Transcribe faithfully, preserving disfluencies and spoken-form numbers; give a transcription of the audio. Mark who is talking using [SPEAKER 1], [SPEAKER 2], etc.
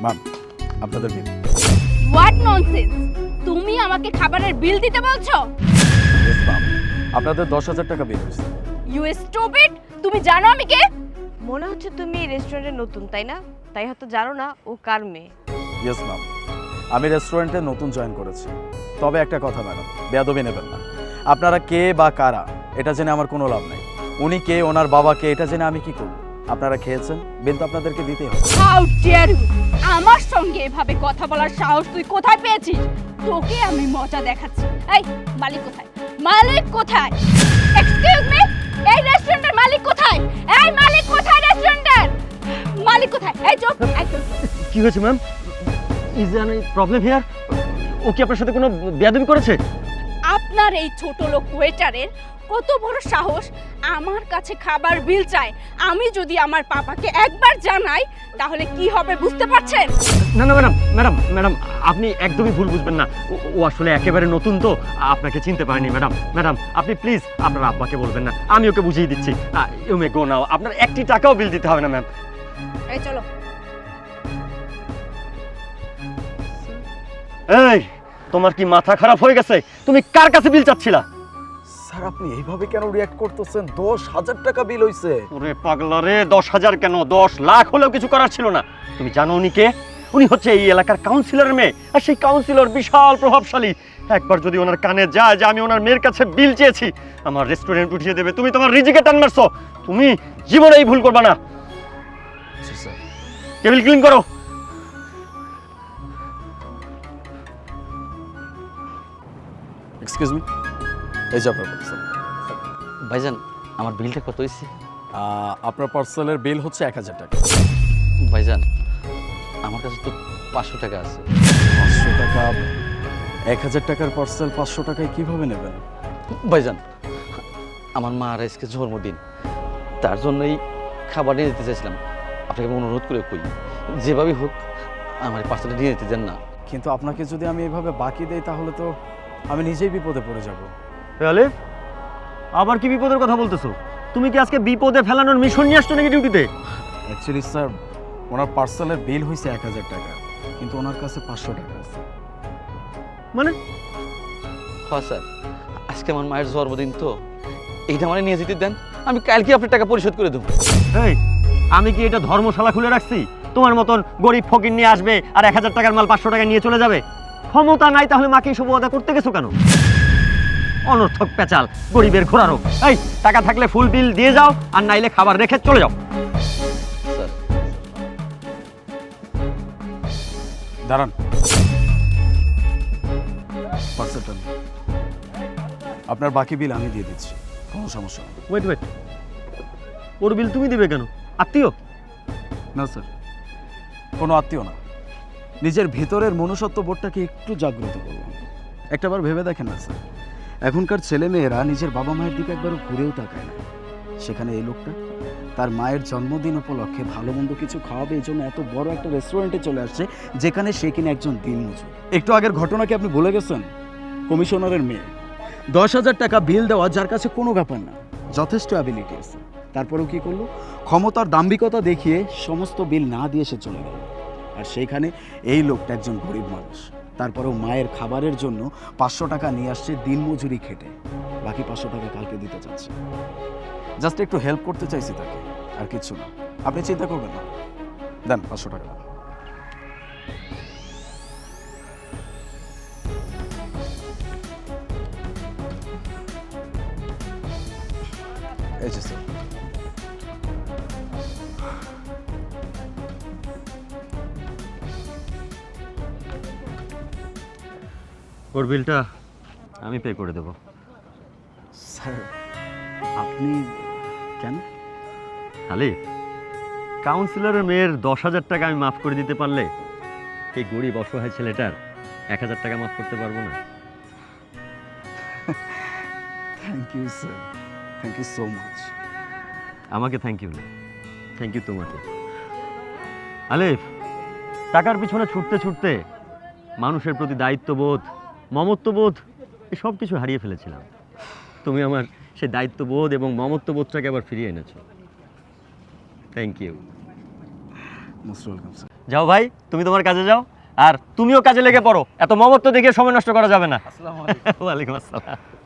[SPEAKER 1] Ma'am আপনাদের বিল।
[SPEAKER 2] What nonsense! তুমি আমাকে খাবারের বিল দিতে বলছো?
[SPEAKER 1] ইয়েস ম্যাম, আপনাদের দশ হাজার টাকা বিল হয়েছে।
[SPEAKER 2] You stupid! তুমি জানো আমি কে?
[SPEAKER 3] মনে হচ্ছে তুমি রেস্টুরেন্টে নতুন, তাই না? তাই হয়তো জানো না ও কার মেয়ে।
[SPEAKER 1] ইয়েস ম্যাম, আমি রেস্টুরেন্টে নতুন জয়েন করেছি। তবে একটা কথা ম্যাডাম, বেয়াদবি নেবেন না। আপনারা কে বা কারা এটা জেনে আমার কোনো লাভ নেই। উনি কে, ওনার বাবা কে, এটা জেনে আমি কি করব? আপনারা খেয়েছেন, বিল তো আপনাদেরকে দিতেই হবে।
[SPEAKER 2] How dare you! আমার সঙ্গে এভাবে কথা বলার সাহস তুই কোথায় পেয়েছিস? তোকে আমি মজা দেখাচ্ছি। এই মালিক কোথায়? মালিক কোথায়? এক্সকিউজ মি, এই রেস্টুরেন্টের মালিক কোথায়? এই মালিক কোথায় রেস্টুরেন্টের? মালিক কোথায়? এই চুপ, এই চুপ।
[SPEAKER 4] কি হয়েছে ma'am? Is there any problem here? ও কি আপনার সাথে কোনো বেয়াদবি করেছে?
[SPEAKER 2] আপনার এই ছোট লোক ওয়েটারের কত বড় সাহস আমার কাছে খাবার বিল চায়। আমি যদি আমার পাপাকে একবার জানাই তাহলে কি হবে বুঝতে পারছেন?
[SPEAKER 4] না না ম্যাডাম, ম্যাডাম ম্যাডাম আপনি একদমই ভুল বুঝবেন না। ও- ও আসলে একেবারে নতুন তো, আপনাকে চিনতে পারেনি ম্যাডাম। ম্যাডাম আপনি প্লিজ আপনার আব্বাকে বলবেন না, আমি ওকে বুঝিয়ে দিচ্ছি। ইউ মে গো নাও, আপনার একটি টাকাও বিল দিতে হবে না ম্যাম।
[SPEAKER 2] এই চলো।
[SPEAKER 4] এই তোমার কি মাথা খারাপ হয়ে গেছে? তুমি কার কাছে বিল চাচ্ছিলা?
[SPEAKER 1] স্যার আপনি এইভাবে কেন রিয়াক্ট করতেছেন? দশ হাজার টাকা বিল হইছে।
[SPEAKER 4] ওরে পাগলা রে, দশ হাজার কেন, দশ লাখ হলেও কিছু করার ছিল না। তুমি জানো উনি কে? উনি হচ্ছে এই এলাকার কাউন্সিলরের মেয়ে, আর সেই কাউন্সিলর বিশাল প্রভাবশালী। একবার যদি ওনার কানে যায় যে আমি ওনার মেয়ের কাছে বিল চেয়েছি, আমার রেস্টুরেন্ট উঠিয়ে দেবে। তুমি তোমার রিজিকে টান মারছো, তুমি জীবনে এই ভুল করবা না।
[SPEAKER 1] জি স্যার।
[SPEAKER 4] টেবিল ক্লিন করো।
[SPEAKER 1] এক্সকিউজ মি, এই যে আপনার পার্সেল।
[SPEAKER 5] ভাইজান আমার বিলটা কত হয়েছে?
[SPEAKER 1] আপনার পার্সেলের বিল হচ্ছে এক হাজার টাকা।
[SPEAKER 5] ভাইজান আমার কাছে তো পাঁচশো টাকা আছে।
[SPEAKER 1] পাঁচশো টাকা? এক হাজার টাকার পার্সেল পাঁচশো টাকায় কিভাবে নেবেন?
[SPEAKER 5] ভাইজান আমার মা আর আজকে জন্মদিন, তার জন্যই খাবার নিয়ে যেতে চাইছিলাম। আপনাকে আমি অনুরোধ করে কই, যেভাবেই হোক আমার পার্সেলটা নিয়ে যেতে দেন না।
[SPEAKER 1] কিন্তু আপনাকে যদি আমি এভাবে বাকি দেই তাহলে তো আমি নিজেই বিপদে পড়ে যাব।
[SPEAKER 4] তাহলে আবার কি বিপদের কথা বলতেছো? তুমি কি আজকে বিপদে ফেলানোর মিশন নিয়ে আসছো নাকি ডিউটিতে?
[SPEAKER 1] অ্যাকচুয়ালি স্যার, ওনার পার্সেলের বিল হয়েছে এক হাজার টাকা, কিন্তু ওনার কাছে পাঁচশো টাকা আছে।
[SPEAKER 4] মানে
[SPEAKER 5] হ্যাঁ স্যার, আজকে আমার মায়ের জন্মদিন তো, এইটা আমার নিয়ে যেতে দেন, আমি কালকে আপনার টাকা পরিশোধ করে দেবো।
[SPEAKER 4] এই আমি কি এটা ধর্মশালা খুলে রাখছি? তোমার মতন গরিব ফকির নিয়ে আসবে আর এক হাজার টাকার মাল পাঁচশো টাকা নিয়ে চলে যাবে? ক্ষমতা নাই তাহলে মাকে এসব ওয়াদা করতে গেছো কেন? অনর্থক পেঁচাল, গরিবের ঘোরারো। এই টাকা থাকলে ফুল বিল দিয়ে যাও, আর নাইলে খাবার রেখে চলে যাও।
[SPEAKER 5] স্যার
[SPEAKER 1] দাঁড়ান, পার্সেলটা নিন। আপনার বাকি বিল আমি দিয়ে দিচ্ছি, কোনো সমস্যা নেই।
[SPEAKER 4] ওয়েট ওয়েট, ওর বিল তুমি দিবে কেন? আত্মীয়?
[SPEAKER 1] না স্যার, কোনো আত্মীয় না, নিজের ভেতরের মনুষ্যত্ব বোধটাকে একটু জাগ্রত করুন। একটাবার ভেবে দেখেন না স্যার, এখনকার ছেলে মেয়েরা নিজের বাবা মায়ের দিকে একবারও ঘুরেও তাকায় না। সেখানে এই লোকটা তার মায়ের জন্মদিন উপলক্ষে ভালো মন্দ কিছু খাওয়াবে এই জন্য এত বড় একটা রেস্টুরেন্টে চলে আসছে, যেখানে সে কিনা একজন দিনমজুর। একটু আগের ঘটনা কি আপনি ভুলে গেছেন? কমিশনারের মেয়ে, দশ হাজার টাকা বিল দেওয়া, যার কাছে কোনো ব্যাপার না, যথেষ্ট অ্যাবিলিটি আছে। তারপরেও কি করলো? ক্ষমতার দাম্ভিকতা দেখিয়ে সমস্ত বিল না দিয়ে সে চলে গেল। আর সেইখানে এই লোকটা একজন গরিব মানুষ, তারপরেও মায়ের খাবারের জন্য পাঁচশো টাকা নিয়ে আসছে দিনমজুরি খেটে, বাকি পাঁচশো টাকা কালকে দিতে চাচ্ছে। জাস্ট একটু হেল্প করতে চাইছি তাকে, আর কিচ্ছু না। আপনি চিন্তা করবেন না, দেন পাঁচশো টাকা দেন। এই যে স্যার।
[SPEAKER 4] ওর বিলটা আমি পে করে দেবো।
[SPEAKER 1] স্যার আপনি কেন?
[SPEAKER 4] খালি কাউন্সিলরের মেয়ের দশ হাজার টাকা আমি মাফ করে দিতে পারলে এই গরিব অসহায় ছেলেটার এক হাজার টাকা মাফ করতে পারবো না?
[SPEAKER 1] Thank you sir, thank you so much.
[SPEAKER 4] আমাকে থ্যাংক ইউ না, থ্যাংক ইউ তোমাকে। আলিফ, টাকার পিছনে ছুটতে ছুটতে মানুষের প্রতি দায়িত্ববোধ, মমত্ববোধ সব কিছু হারিয়ে ফেলেছিলাম। তুমি আমার সেই দায়িত্ববোধ এবং মমত্ববোধটাকে আবার ফিরিয়ে এনেছো। Thank you.
[SPEAKER 1] Most welcome sir.
[SPEAKER 4] যাও ভাই, তুমি তোমার কাজে যাও, আর তুমিও কাজে লেগে পড়ো। এত মমত্ব দেখে সময় নষ্ট করা যাবে না।
[SPEAKER 5] আসসালামু আলাইকুম।
[SPEAKER 4] ওয়ালাইকুম আসসালাম।